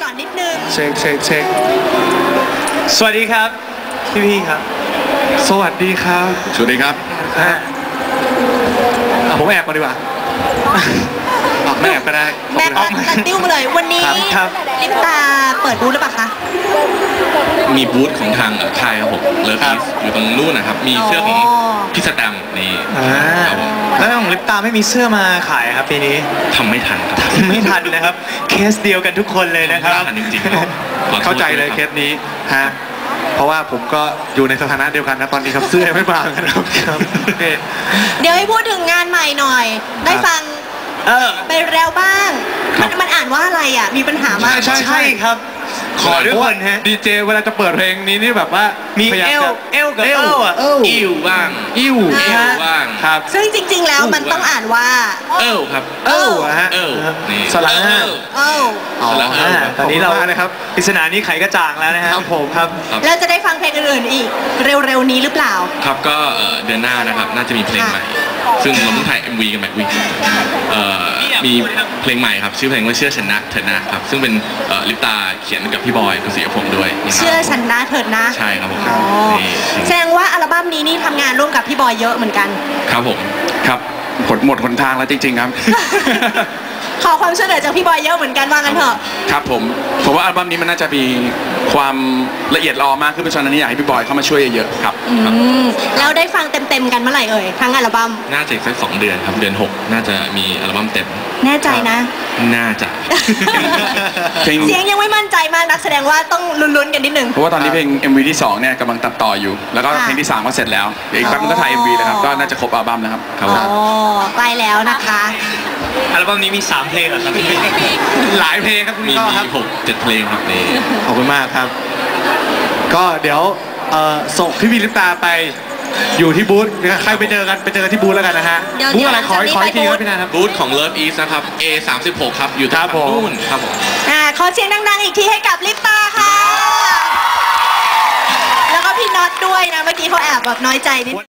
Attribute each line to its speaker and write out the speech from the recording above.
Speaker 1: ก่อนนิดนึง
Speaker 2: เช็คสวัสดีครับพี่ครับสวัสดีครับ
Speaker 3: สวัสดีครับ
Speaker 2: ผมแอบมาดีกว่าไม่แอบก็ได้
Speaker 1: แม่ตัดติ้วมาเลยวันนี้ลิปตาเปิดบูธหรือเปล่าคะ
Speaker 3: มีบูธของทางค่ายครับผมเลิฟอีสอยู่ตรงนู้นนะครับมีเสื้อของพี่สแตมนี่ครับผม
Speaker 2: แล้วของลิปตาไม่มีเสื้อมาขายครับปีนี้
Speaker 3: ทำไม่ทันครับ
Speaker 2: ไม่ทันนะครับเคสเดียวกันทุกคนเลยนะครับ
Speaker 3: จริง
Speaker 2: เข้าใจเลยเคสนี้ฮะเพราะว่าผมก็อยู่ในสถานะเดียวกันนะตอนนี้ครับเสื้อไม่บางครับ
Speaker 1: เดี๋ยวให้พูดถึงงานใหม่หน่อยได้ฟังไปแล้วบ้างมันอ่านว่าอะไรอ่ะมีปัญหามาก
Speaker 2: ใช่ครับขอด้วยคนฮะดีเจเวลาจะเปิดเพลงนี้นี่แบบว่ามีเอลกับเอลอ่ะ
Speaker 3: อิวบ้างบ้าง
Speaker 1: ครับซึ่งจริงๆแล้วมันต้องอ่านว่า
Speaker 3: ครับ
Speaker 2: ฮะสระตอนนี้เรานะครับปริศนานี้ไขกระจ่างแล้วนะครับผมครับ
Speaker 1: แล้วจะได้ฟังเพลงอื่นๆอีกเร็วๆนี้หรือเปล่า
Speaker 3: ครับก็เดือนหน้านะครับน่าจะมีเพลงใหม่ซึ่งเราเพิ่งถ่าย MV กันแบบมีเพลงใหม่ครับชื่อเพลงว่าเชื่อชนะเถิดนะครับซึ่งเป็นลิปตาเขียนกับพี่บอยกุศิยพงษ์ด้วย
Speaker 1: เชื่อชนะเถิดนะ
Speaker 3: ใช่ครับผม
Speaker 1: แสดงว่าอัลบั้มนี้นี่ทำงานร่วมกับพี่บอยเยอะเหมือนกัน
Speaker 3: ครับผม
Speaker 2: ครับหมดหนทางแล้วจริงๆครับ
Speaker 1: ขอความช่วยเหลือจากพี่บอยเยอะเหมือนกันว่างั้นเถอะ
Speaker 2: ครับผมว่าอัลบั้มนี้มันน่าจะมีความละเอียดรอมากขึ้นเพราะฉะนั้นอยากให้พี่บอยเข้ามาช่วยเยอะๆครับ
Speaker 1: แล้วได้ฟังเต็มๆกันเมื่อไหร่เอ่ยทั้งอัลบั้ม
Speaker 3: น่าจะสัก2 เดือนครับเดือน6น่าจะมีอัลบั้มเต็ม
Speaker 1: แน่ใจนะ
Speaker 3: น่าจะ
Speaker 1: เสียงยังไม่มั่นใจมากนักแสดงว่าต้องลุ้นๆกันนิดนึง
Speaker 2: เพราะว่าตอนนี้เพลง MV ที่2เนี่ยกำลังตัดต่ออยู่แล้วก็เพลงที่3ก็เสร็จแล้วอีกแป๊บนึงก็ถ่าย MV แล้วครับก็น่าจะครบอัลบั้มแล้วครับ
Speaker 1: ใกล้แล้วนะคะ
Speaker 2: อัลบั้มนี้มี3 เพลงเหรอครับหลายเพลงครับ
Speaker 3: มี6-7 เพลงครับนี่
Speaker 2: ขอบคุณมากครับก็เดี๋ยวส่งพี่ลิปตาไปอยู่ที่บูธใครไปเจอกันที่บูธแล้วกันนะฮะบูธอะไรขออีกทีครับพี่นาครับ
Speaker 3: บูธของ Love East นะครับ A36 ครับอยู่ตรงนู้นครับผม
Speaker 1: ขอเสียงดังๆอีกทีให้กับลิปตาค่ะแล้วก็พี่น็อตด้วยนะเมื่อกี้เขาแอบแบบน้อยใจนิด